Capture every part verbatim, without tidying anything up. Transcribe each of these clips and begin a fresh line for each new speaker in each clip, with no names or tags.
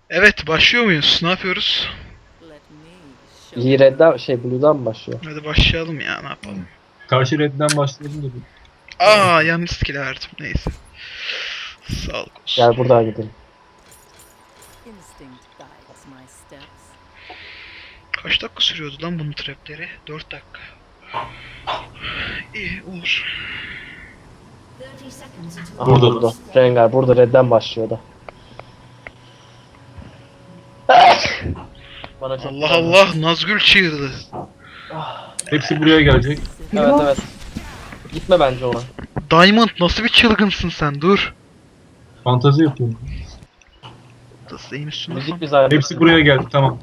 Evet, başlıyor muyuz? Ne yapıyoruz?
İyi redden şey Blue'dan mı başlıyor?
Hadi başlayalım ya, ne yapalım.
Karşı redden başlayalım dedim.
Aa, yanlış skill verdim. Neyse. Sağlık olsun.
Gel buradan gidelim.
Instinct guides my steps.
Kaç dakika sürüyordu lan bunun trapleri? dört dakika. İyi olur.
Aha,
Burada.
burada. Rengar burada redden başlıyor da. Bana çok
Allah Allah, Nazgül çığırdı.
Hepsi buraya gelecek.
Evet evet. Gitme bence ona.
Diamond, nasıl bir çılgınsın sen? Dur.
Fantazi yapıyorum.
Taslayayım üstüne.
Müzik bizi ayarladı.
Hepsi buraya geldi, tamam.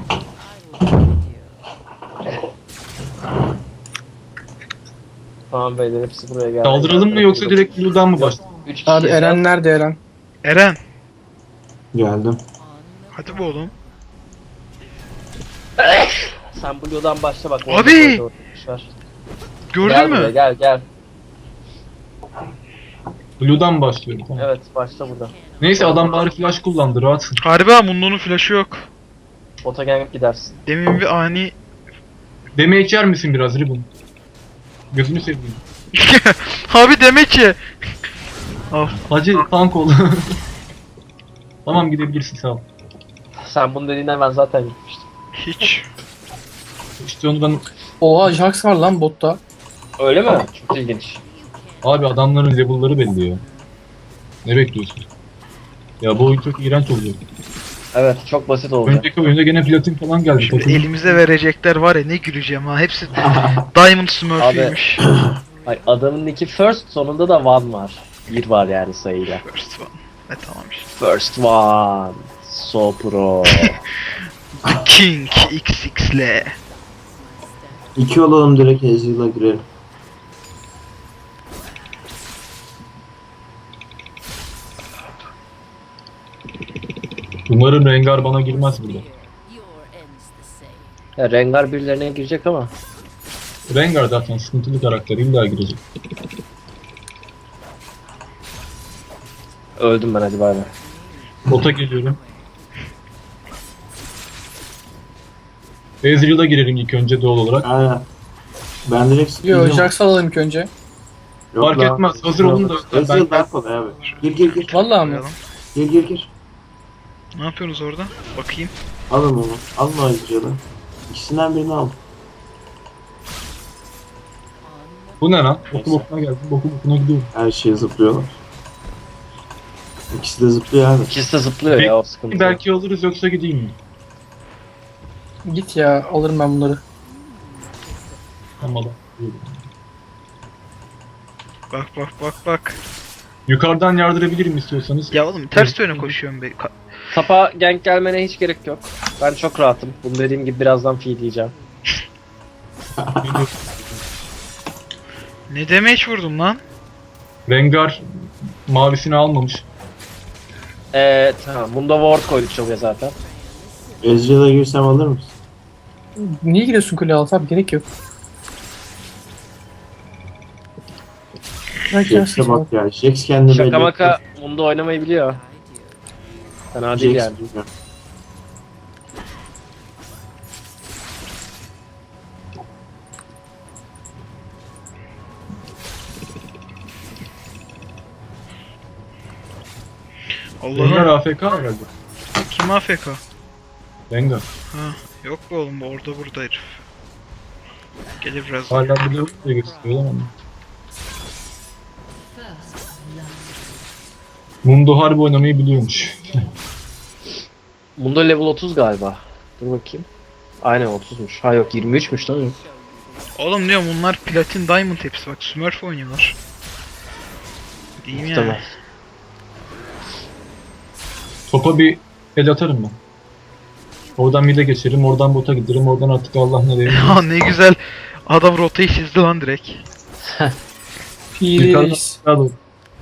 Tamam beyler hepsi buraya geldi.
Saldıralım mı yoksa direkt Blue'dan mı başlayalım?
Üç kişi
Abi
yeter.
Eren nerede Eren?
Eren,
Geldim.
hadi bu oğlum.
Sen Blue'dan başla bak.
Abi!
orada koydu, orada kuş var.
Gördün
Gel
mü?
buraya, gel gel.
Blue'dan başlıyorum, tamam.
Evet başla burada.
Neyse adam bari flash kullandı, rahatsın.
Harbi ha, Mundo'nun flash'ı yok.
Bota gelip gidersin.
Demin bir ani...
Deme içer misin biraz Ribbon? Gözünü seveyim.
Abi demek ki. Al.
Hacı tank ol. Tamam gidebilirsin, sağ ol.
Sen bunu dediğinden ben zaten gitmiştim.
Hiç.
İşte onu ben...
Oha Jax var lan botta.
Öyle mi? Çok ilginç.
Abi adamların level'ları belli ya. Ne bekliyorsun? Ya bu oyun çok iğrenç oluyor.
Evet çok basit olacak.
Önceki oyunda gene platin falan geldi.
Şimdi
Takım-
elimize verecekler var ya, ne güleceğim ha. Hepsi Diamond Smurf'iymiş.
Ay, adamın iki first sonunda da one var. Bir var yani sayıyla.
First one. Ne tamam işte.
First one. So pro.
The King X X L.
İki olalım, direkt Ezreal'a girelim.
Umarım Rengar bana girmez burada.
Your end's the same.
Ya Rengar birilerine girecek ama.
Rengar zaten sıkıntılı karakter, illa girecek.
Öldüm ben hadi bay bay.
Bota geliyorum. Ezreal'a girelim ilk önce doğal olarak.
Aynen. Ben direkt
Yo
sıkıyorum.
Jax alalım ilk önce.
Yok
Fark
lan.
etmez, hazır olun da.
Ezreal
Ben-
daha kolay abi. Gir gir gir.
Vallahi mı?
Gir gir gir.
Ne yapıyorsunuz orada? Bakayım.
Alın onu. Alın o Ezreal'ı. İkisinden birini al.
Bu ne lan? Boku bokuna geldim, boku bokuna gidiyorum.
Her şeye zıplıyorlar. İkisi de zıplıyor abi.
İkisi de zıplıyor ya o sıkıntı.
Belki alırız, yoksa gideyim mi?
Git ya alırım ben bunları.
Tamam.
Bak bak bak bak.
Yukarıdan yardırabilirim istiyorsanız.
Ya oğlum ters yöne koşuyorum be. Ka-
Tapa gank gelmene hiç gerek yok. Ben çok rahatım. Bunu dediğim gibi birazdan feed diyeceğim.
Ne damage vurdum lan?
Rengar mavisini almamış.
Eee tamam. Bunda ward koyduk çoğuya zaten.
Ezreal'a girsem alır mısın?
Niye gidiyorsun kule altı abi gerek yok. Bırak ya
Jax'e bak ya. Jax kendini belli
Şaka
etti.
maka bunda oynamayı biliyor. Fena değil
Jax
yani.
bilmiyor.
Rengar
Allah'ım.
A F K herhalde.
Kim A F K?
Rengar.
Ha, yok be oğlum, bu orada burada herif. Gelir biraz.
Hala bir level diye gösteriyor ama. Mundo harbi oynamayı biliyormuş.
Bunda level otuz galiba. Dur bakayım. Aynen otuzmuş. Ha yok yirmi üçmüş lan.
Oğlum diyorum, bunlar platin diamond hepsi, bak Smurf oynuyorlar. Diyeyim yani.
Tamam.
Topa bir el atarım ben. Oradan mid'e geçerim, oradan bota giderim, oradan artık Allah ne diyeyim.
Ya ne güzel. Adam rotayı çizdi lan direkt.
Piri
Yukarıdan
reis.
aşağı doğru.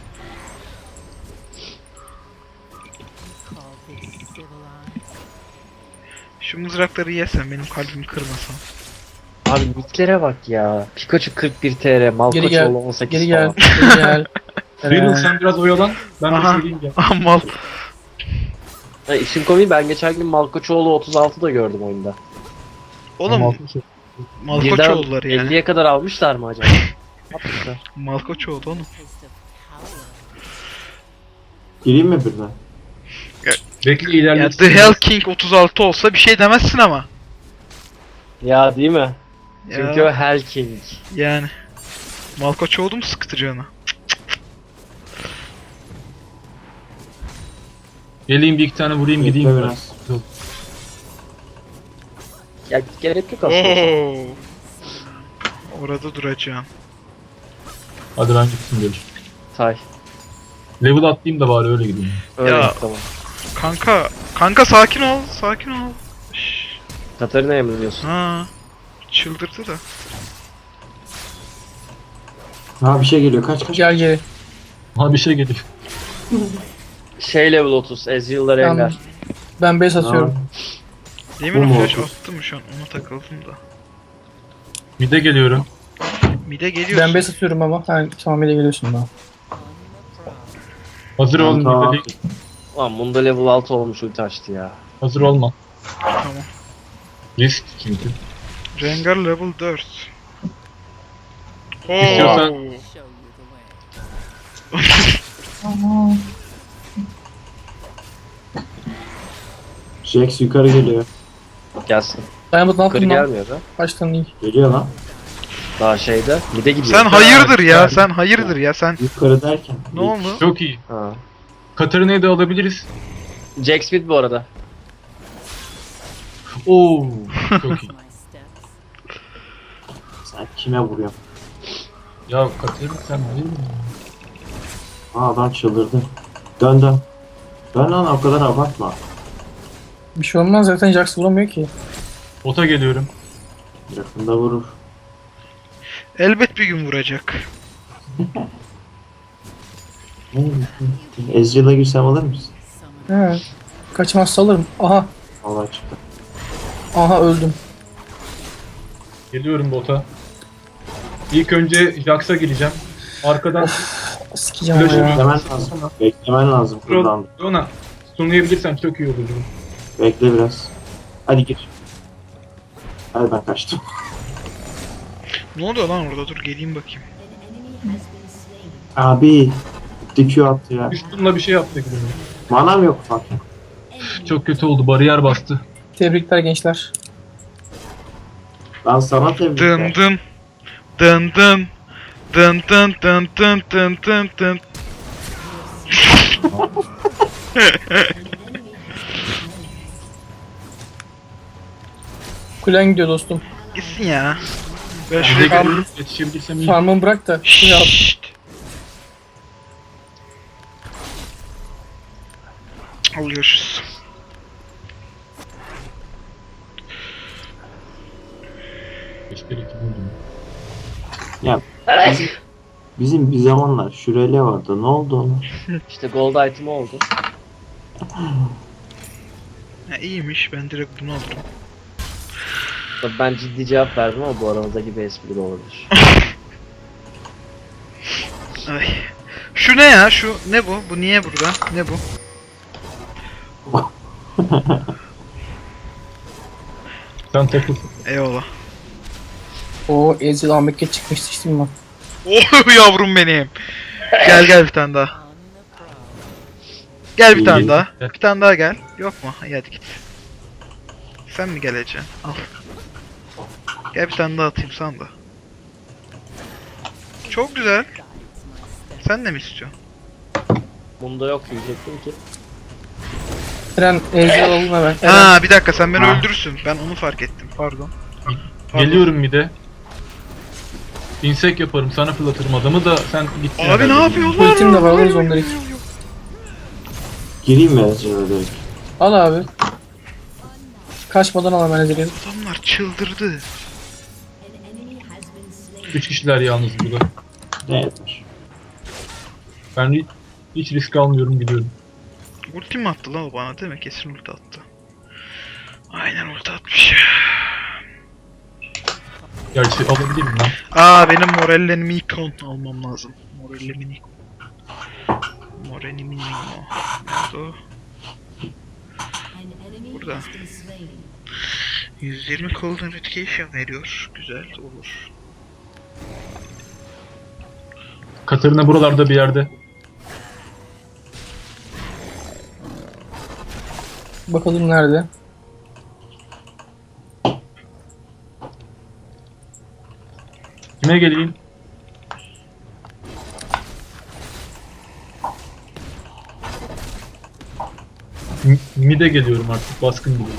Call this civilized.
Şu mızrakları yesen, benim kalbimi kırmasan.
Abi nicklere bak ya. Pikachu kırk bir T R,
Geri
Malkoçoğlu
gel.
on sekiz
Geri gel.
falan.
Geri gel.
Riddle
Eren.
sen biraz oyalan, ben bir
Aha.
söyleyeyim ya.
Amal.
Ha, işin komiği ben geçen gün Malkoçoğlu otuz altı da gördüm oyunda.
Oğlum Malkoçoğulları yani.
elliye kadar almışlar mı acaba? Yapmışlar.
Malkoçoğlu oğlum.
Taste of power.
Gireyim mi birden?
Bekle
Ya
ilerletsin.
The Hell King otuz altı olsa bir şey demezsin ama.
Ya değil mi?
Ya,
Çünkü o Hell King.
yani. Malkoçoğlu mu sıkıtacağını?
Geleyim bir iki tane vurayım
Bekle
gideyim
biraz.
biraz.
Ya gerek yok aslında.
Oo. Orada duracağım.
Hadi ben gitsin demiş.
Say.
Level atlayayım da bari öyle gideyim.
Öyle
Ya.
git, tamam.
Kanka, kanka sakin ol, sakin ol. Şşş.
Katarina'ya mı diyorsun?
Ha. Çıldırdı da.
Ha bir şey geliyor. Kaç kaç.
Gel geri.
Ha bir şey geliyor.
Şey level otuz. Ezreal'la
Tamam.
Rengar.
Ben base atıyorum.
Ha,
Demin
Bu mu
flash
oldu?
attım şu an, ona takıldım da.
Mide geliyorum.
Mide geliyorsun.
Ben base atıyorum ama. Ha, tamam ile geliyorsun daha.
Hazır ol
tamam.
mide.
Lan bunda level altı olmuş ulti açtı ya.
Hazır olma.
Tamam.
Risk çünkü.
Rengar level dört. Oo.
İstiyorsan-
Show you the way.
Jax yukarı geliyor.
Gelsin.
Dayanmadı ne
Yukarı
yaptın lan?
gelmiyor da.
Baştan iyi.
Geliyor lan.
Daha şeyde. Mide gidiyor.
Sen hayırdır ya, sen hayırdır ya, sen.
Yukarı derken.
Ne oldu?
Çok iyi.
Ha.
Katarina'yı da alabiliriz.
Jack Smith bu arada.
Oo, çok iyi.
My steps.
Sen kime vuruyorsun?
Ya Katarina sen değil mi?
Aa adam çıldırdı. Dön dön. Dön lan o kadar abartma.
Bir şey olmaz zaten Jax vuramıyor ki.
Bota geliyorum.
Yakında vurur.
Elbet bir gün vuracak.
Ezreal'a girsem alır mısın?
Summon.
He. Kaçmazsa alırım. Aha.
Allah çıktı.
Aha öldüm.
Geliyorum bota. İlk önce Jax'a gireceğim. Arkadan
Sikeceğim ama
Flash
ya.
Beklemen lazım. Beklemen lazım buradan.
Rona. Sunlayabilirsen çok iyi olur.
Bekle biraz. Hadi gir. Hadi ben kaçtım.
Ne oluyor lan orada? Dur geleyim bakayım.
Abi. Dikü attı ya.
Üstünle bir şey yaptı gibi.
Manam yok bak.
Çok kötü oldu. Bariyer bastı.
Tebrikler gençler.
Ben sana tebrikler.
Dın dın. Dın dın. Dın dın dın dın dın dın dın.
Kulen gidiyor dostum.
Gitsin ya. Ben
Bize
şuraya bir...
geliyorum. Yetişebilirsem iyi.
Farmımı bırak da. Şey al.
Şşşt. Al görüşürüz.
Keşke iki buldum.
Ya bizim, bizim bir zamanlar Şurele vardı. Ne oldu ona?
İşte gold item oldu.
Ha, iyiymiş, ben direkt bunu alırım.
Tabii ben ciddi cevap verdim ama bu aramızdaki bir espri de olabilir.
Ay. Şu ne ya? Şu ne bu? Bu niye burada? Ne bu?
Sen takıl.
Eyvallah.
O Ezreal Ahmet'e çıkmıştı işte mi?
Oh yavrum benim. Gel gel bir tane daha.
On the prowl.
Gel bir tane
İyi.
daha. Bir tane daha gel. Yok mu? İyi hadi git. Sen mi geleceksin? Al. Gel bir tane daha atayım sana da. Çok güzel.
Guides my steps.
Sen de mi istiyorsun?
Bunda yok diyecektim ki.
Eren Ezreal alın hemen. Eren.
Ha bir dakika sen beni
Ha.
öldürürsün. Ben onu fark ettim. Pardon. Pardon.
Geliyorum mide. İnsek yaparım. Sana fırlatırım adamı da sen git.
Abi ne yapıyorlar?
Ultim de var, alırız onları ilk.
Gireyim mi Ezreal'a direkt?
Al abi. Kaçmadan al hemen Ezreal'i.
Adamlar çıldırdı.
Üç kişiler yalnız burada.
Ne yeter?
Ben hiç, hiç risk almıyorum gidiyorum.
Ulti mi attı lan o bana değil mi? Kesin ulti attı. Aynen ulti atmış.
Gerçi alabilir miyim lan?
Aa benim Morelle'nin Mikon almam lazım. Morelle'nin Mikon. Morelle'nin Mikon. Nerede o? burada. yüz yirmi Golden Education veriyor. Güzel olur.
Katarina buralarda bir yerde.
Bakalım nerede?
Kime geleyim? M- Mide geliyorum artık. Baskın gibi.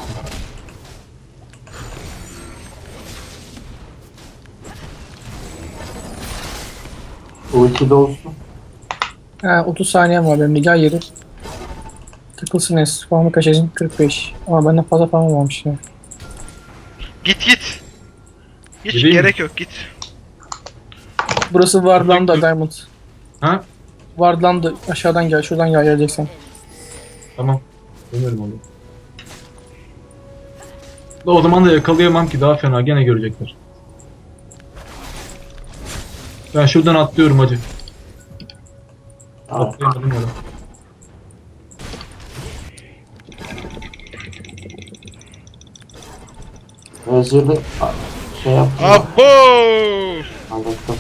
Ulti de olsun.
Ha, otuz saniyem var benim de, gel yeri. Takılsın es. Farmı kaçacağım kırk beş. Ama benden fazla farmım varmış ya.
Git git. Hiç
Gideyim mi?
gerek yok git.
Burası Wardland'da Diamond.
Ha?
Wardland'da aşağıdan gel, şuradan gel geleceksen.
Tamam. Dönerim onu. Da o zaman da yakalayamam ki, daha fena, gene görecekler. Ben şuradan atlıyorum hacı.
Tamam.
Atlayamadım ya.
Özürlü şey yaptım.
Abo!
Anlattım.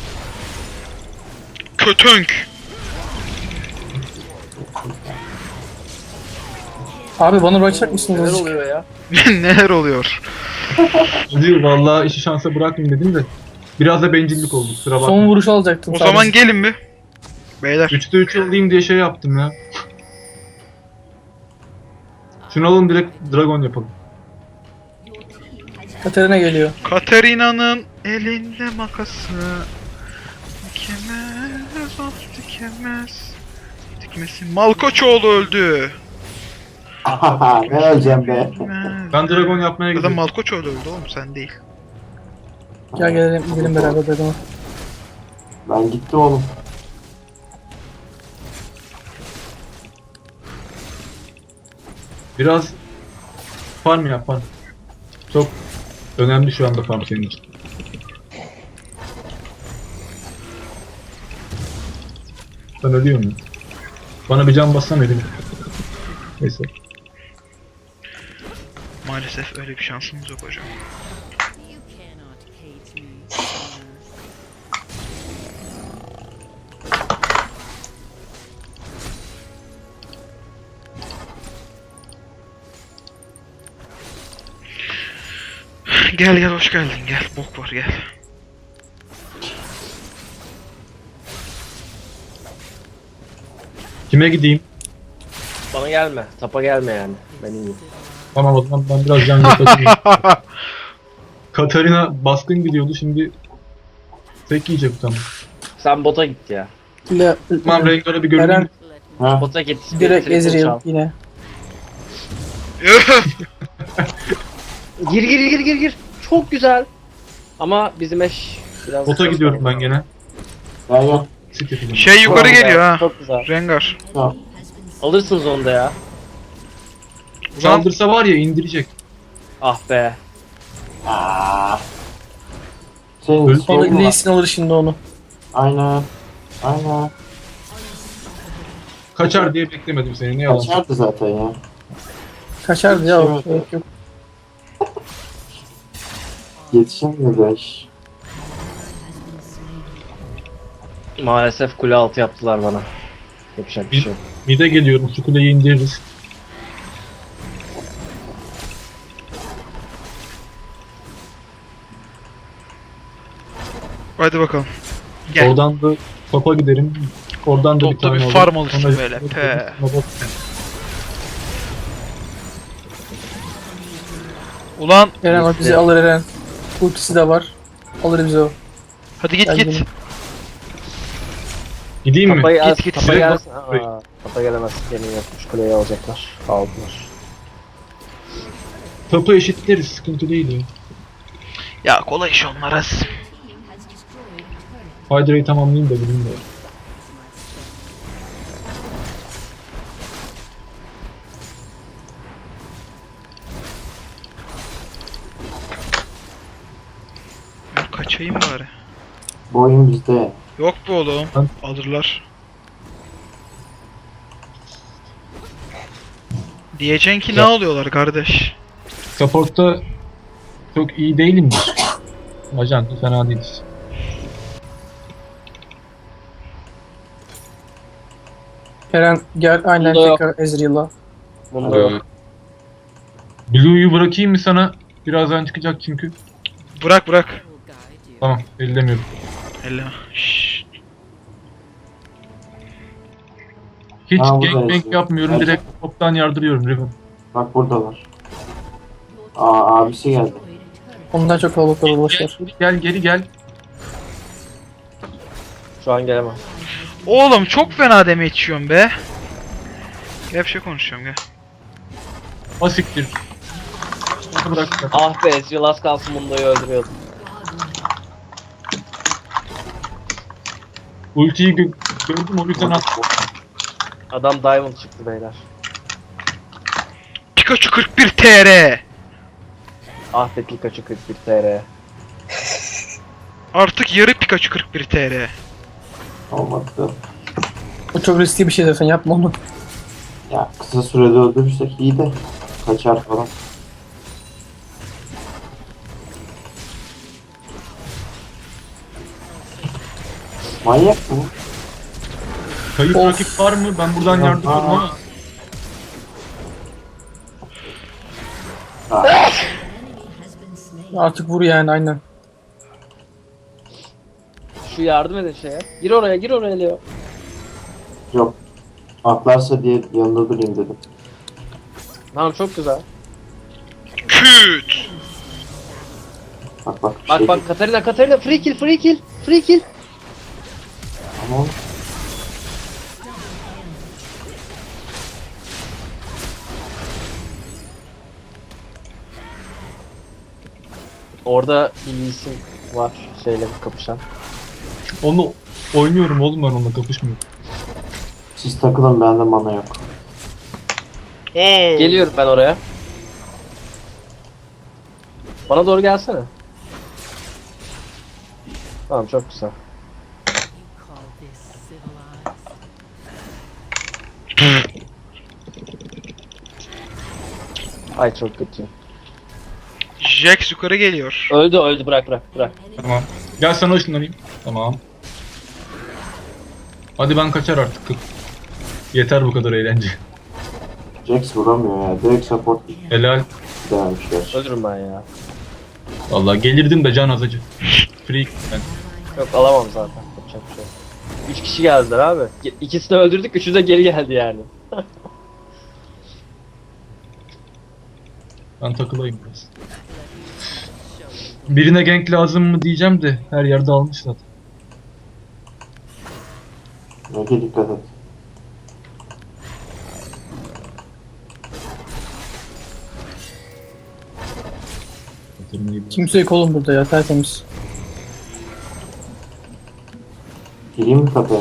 Kötönk.
Abi bana bırakacak mısınız
Neler
azıcık?
oluyor ya?
Neler oluyor?
Hacı vallahi işi şansa bırakmayayım dedim de. Biraz da bencillik oldu, kusura bakma.
Son vuruşu alacaktım
O
sadece.
zaman gelin mi? Beyler.
üçte üç alayım diye şey yaptım ya. Şunu alın, direkt dragon yapalım.
Katarina geliyor.
Katarina'nın elinde makası. Dikemez, of dikemez. Dikmesin. Malkoçoğlu öldü.
ne öleceğim be.
Dikemez.
Ben dragon yapmaya
Ya da
gidiyorum.
Malkoçoğlu öldü oğlum, sen değil.
Gel gelelim, gidelim beraber dedim.
Ben gitti oğlum.
Biraz farm yap, farm. Çok önemli şu anda farm senin için. Ben ölüyor muyum? Bana bir can bassana dedim. Neyse.
Maalesef öyle bir şansımız yok hocam.
You cannot hate me, sinner.
Gel gel, hoş geldin, gel. Bok var, gel.
Kime gideyim?
Bana gelme. Tapa gelme yani. Ben iyiyim.
Tamam, o zaman ben biraz can yapayım. Katarina baskın gidiyordu, şimdi tek yiyecek tamam.
Sen bota git ya.
Le,
Tamam, Rengar'a bir görüneyim.
Eren
Let me
Ha?
Bota git.
direkt
Triple
Ezreal
çal.
yine.
Gir gir gir gir gir. Çok güzel. Ama bizim eş biraz...
Bota gidiyorum ben gene.
Gel gel.
Sit yapacağım.
Şey yukarı
Çok güzel,
geliyor ha.
Çok güzel.
Rengar.
Tamam.
Alırsınız onu da ya.
Saldırsa var ya, indirecek.
Ah be.
Aa. Senin
Öl-
Sonra
sorun var.
Lee Sin alır şimdi onu.
Aynen. Aynen.
Kaçar diye beklemedim seni, ne yalan.
Kaçardı zaten ya.
Kaçardı ya.
Evet.
Gerek yok.
Yetişemedi iş.
Maalesef kule altı yaptılar bana. Yapacak bir şey yok.
Mide geliyorum, şu kuleyi indiririz.
Hadi bakalım. Gel.
Oradan da topa giderim. Oradan da bir
Topta
tane
bir
alırım.
farm alırsın
Sonra-
böyle, pe. Ulan
Eren bak bizi alır Eren. Ultisi de var. Alır bizi o.
hadi git
Gel
git.
gidelim.
Gideyim mi?
Tapayı
Git,
git,
git,
Tapa
direkt
gelsin.
bak-
Aa, tapa gelemez. Yemin yapmış. Kuleyi alacaklar. Aldılar.
Topu eşitleriz, sıkıntı değil ya.
Ya kolay iş onlar az.
Hydra'yı tamamlayayım da bileyim de.
Ben kaçayım bari.
Bu oyun bizde.
Yok bu oğlum.
Lan.
Alırlar. Diyeceksin ki ne
Ya.
alıyorlar kardeş?
Support'ta çok iyi değilimdir. Ajan fena değiliz.
Eren gel aynen
Bunda yok.
tekrar Ezreal'a.
Bunda yok.
Blue'yu bırakayım mı sana? Birazdan çıkacak çünkü.
Bırak bırak.
I will guide you.
Tamam, ellemiyorum.
Elle. Şşş.
Hiç
Ha, bu da
gangbang
yazıyor.
yapmıyorum,
Evet.
direkt toptan yardırıyorum Riven.
Bak buradalar. Aa abisi geldi.
Ondan çok kalabalıklar ulaşır.
Geri gel, geri gel.
Şu an gelemem.
Oğlum çok fena deme içiyorum be. Gel bir şey konuşuyorum gel.
Asiktir. Onu bırak.
Ah be Ezreal az kalsın Mundo'yu öldürüyordu.
Ultiyi gö gördüm, o yüzden attım.
Adam Diamond çıktı beyler.
Pikachu kırk bir T R.
Ah be Pikachu kırk bir T R.
Artık yarı Pikachu kırk bir T R.
Olmadı.
O çok riskli bir şey zaten yapma onu.
Ya kısa sürede öldürürsek iyi de kaçar falan. Manyak mı?
Kayıp
Of.
rakip var mı? Ben buradan
Yok,
yardırıyorum
aa.
ama.
Ha,
Artık vur yani aynen.
Şu yardım edin şeye. Gir oraya gir oraya Leo.
yok. Atlarsa diye yanında durayım dedim.
Tamam çok güzel.
Küt.
Bak bak. bir
Bak
şey
bak Katarina Katarina free kill free kill free kill.
Ama
Orada bir isim var şeyle kapışan.
Onu oynuyorum oğlum, ben onunla kapışmıyorum.
siz takılın, bende mana yok.
Oo.
Geliyorum ben oraya. Bana doğru gelsene. Tamam çok güzel.
You call this civilized?
Ay çok kötü.
Jax yukarı geliyor.
Öldü öldü bırak bırak bırak.
Tamam. Gel sana ışınlanayım. Tamam. Hadi ben kaçar artık. Yeter bu kadar eğlence.
Jax vuramıyor ya. Direkt support
Helal.
denemiş gerçi.
Öldürürüm ben ya.
Vallahi gelirdim de can azacı. Freak ben.
Yok alamam zaten. Yapacak bir şey yok. Üç kişi geldiler abi. Ge- İkisini öldürdük, üçü de geri geldi yani.
Ben takılayım biraz. Birine gank lazım mı diyeceğim de her yerde almış zaten.
Ege dikkat et.
Katarınayı biraz-
Kimse yok oğlum burada ya tertemiz.
Gireyim mi kapıya?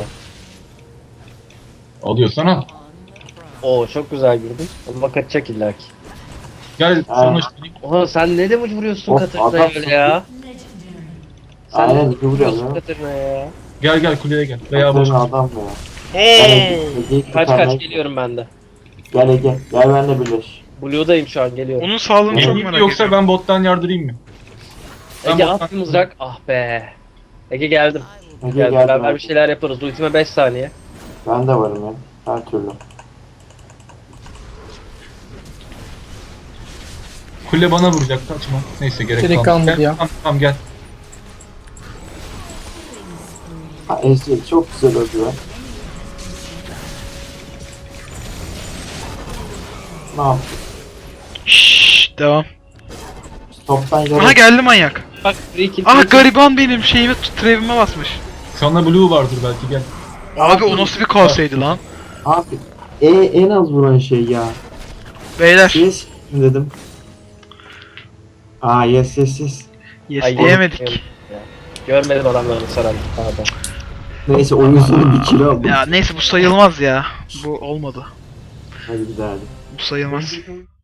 Alıyorsana.
Oo çok güzel girdin. Ama kaçacak illaki.
Gel
Ha.
sana ışınlanayım.
Oha sen ne demiş vuruyorsun
Of,
Katarina'ya
adam-
öyle ya? Sen
Aynen,
ne
iyi
demiş
vuruyor
vuruyorsun
ya.
Katarina'ya ya?
Gel gel kuleye gel. Veya boş.
Aferin adam ya.
Oo.
Ege'yi
Kaç
kurtarmaya-
kaç geliyorum ben de.
Gel Ege. Gel benimle birleş.
Blue'dayım şu an geliyorum.
Onun sağlığını çok
Yoksa
merak
Yoksa
ediyorum.
ben bottan yardırayım mı? Ben
Ege
bottan-
at bir mızrak. Ah be. Ege geldim.
Ege
Gel
gel.
beraber
ben,
bir şeyler yaparız. Ultime beş saniye.
ben de varım ya. Her türlü.
Kule bana vuracak, kaçma. Neyse gerek
Gerek
kalmadı.
kalmadı
Gel,
ya.
Tamam, tamam gel.
Ha Ezreal çok güzel öldü ya. Ne yaptı?
Şşş devam.
Toptan yarı.
Aha geldi manyak.
Bak free kill.
Ah
free kill.
gariban benim şeyime trevime basmış.
Sana blue vardır belki, gel.
Abi o nasıl bir kaseydi lan?
Abi e, en az vuran şey ya.
Beyler
Yes dedim. Aa yes yes yes.
yes
Ay,
diyemedik.
ya. Görmedim adamlarını saran. Pardon.
Neyse oyun sonu bir kilo aldım.
Ya neyse bu sayılmaz ya. Bu olmadı.
Hadi bir daha hadi.
Bu sayılmaz.